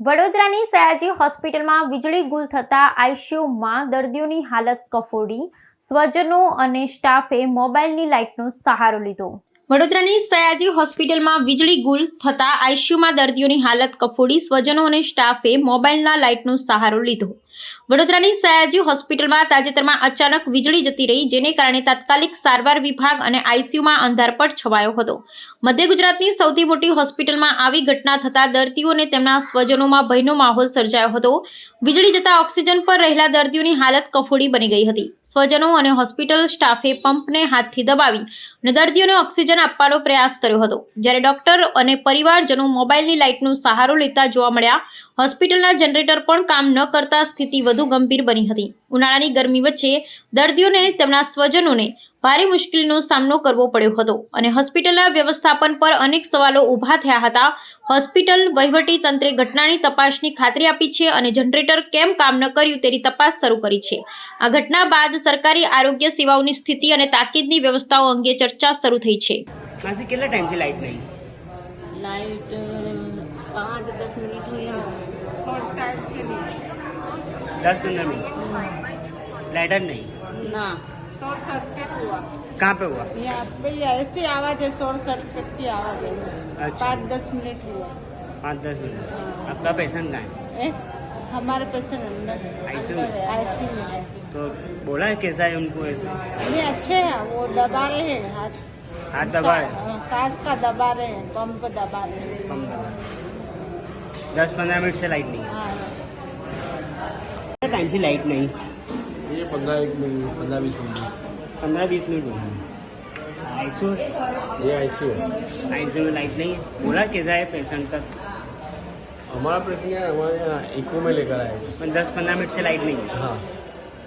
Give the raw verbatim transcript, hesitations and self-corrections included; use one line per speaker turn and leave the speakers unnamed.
વડોદરાની સયાજી હોસ્પિટલમાં વીજળી ગુલ થતા આઈસીયુમાં દર્દીઓની હાલત કફોડી, સ્વજનો અને સ્ટાફે મોબાઈલની લાઇટનો સહારો લીધો। વડોદરાની સયાજી હોસ્પિટલમાં વીજળી ગુલ થતા આઈસીયુમાં દર્દીઓની હાલત કફોડી, સ્વજનો અને સ્ટાફે મોબાઈલના લાઇટનો સહારો લીધો। વડોદરાની સયાજી હોસ્પિટલમાં તાજેતરમાં અચાનક વીજળી જતી રહી, જેને કારણે તાત્કાલિક સારવાર વિભાગ અને આઈસીયુમાં અંધારપટ છવાયો હતો। મધ્ય ગુજરાતની સૌથી મોટી હોસ્પિટલમાં આવી ઘટના થતા દર્દીઓ અને તેમના સ્વજનોમાં ભયનો માહોલ સર્જાયો હતો। વીજળી જતા ઓક્સિજન પર રહેલા દર્દીઓની હાલત કફોડી બની ગઈ હતી। સ્વજનો અને હોસ્પિટલ સ્ટાફે પંપને હાથથી દબાવી અને દર્દીઓને ઓક્સિજન આપવાનો પ્રયાસ કર્યો હતો, જ્યારે ડોક્ટર અને પરિવારજનો મોબાઈલની લાઇટનો સહારો લેતા જોવા મળ્યા। હોસ્પિટલના જનરેટર પણ કામ ન કરતા સ્થિતિ વધુ ગંભીર બની હતી। ઉનાળાની ગરમી વચ્ચે દર્દીઓને તેમના સ્વજનોને ભારે મુશ્કેલીનો સામનો કરવો પડ્યો હતો અને હોસ્પિટલના વ્યવસ્થાપન પર અનેક સવાલો ઊભા થયા હતા। હોસ્પિટલ વહીવટી તંત્રે ઘટનાની તપાસની ખાતરી આપી છે અને જનરેટર કેમ કામ ન કર્યું તેની તપાસ શરૂ કરી છે। આ ઘટના બાદ સરકારી આરોગ્ય સેવાઓની સ્થિતિ અને તાકીદની વ્યવસ્થાઓ અંગે ચર્ચા શરૂ થઈ છે।
मासी कितना टाइम से लाइट नहीं?
लाइट पाँच दस मिनट हुई है और टाइम से नहीं
दस पंद्रह मिनट लाइट नहीं
ना शॉर्ट सर्किट हुआ।
कहाँ पे हुआ?
यहाँ पे ऐसी आवाज है, शॉर्ट सर्किट की आवाज है।
अच्छा।
पाँच दस मिनट हुआ।
पाँच दस मिनट आपका पेशेंट कहाँ है?
ए? हमारे पेशेंट अंदर है,
आईसीयू में?
आईसीयू में।
तो बोला है कैसा है उनको ऐसे?
नहीं अच्छे हैं, वो दबा रहे हैं हाथ
हाथ दबा है?
सा- सांस का दबा रहे हैं, पंप दबा रहे हैं।
कम दबा। दस पंद्रह मिनट से लाइट नहीं है।
हाँ
कितना टाइम से लाइट नहीं?
ये पंद्रह एक मिनट पंद्रह बीस मिनट
पंद्रह बीस मिनट हुआ। आईसीयू
ये आईसीयू है।
आईसीयू में लाइट नहीं है। बोला कैसा है पेशेंट का?
हमारा प्रश्न है, हमारे यहाँ इको में लेकर आए थे।
दस पंद्रह मिनट से लाइट नहीं है।
हाँ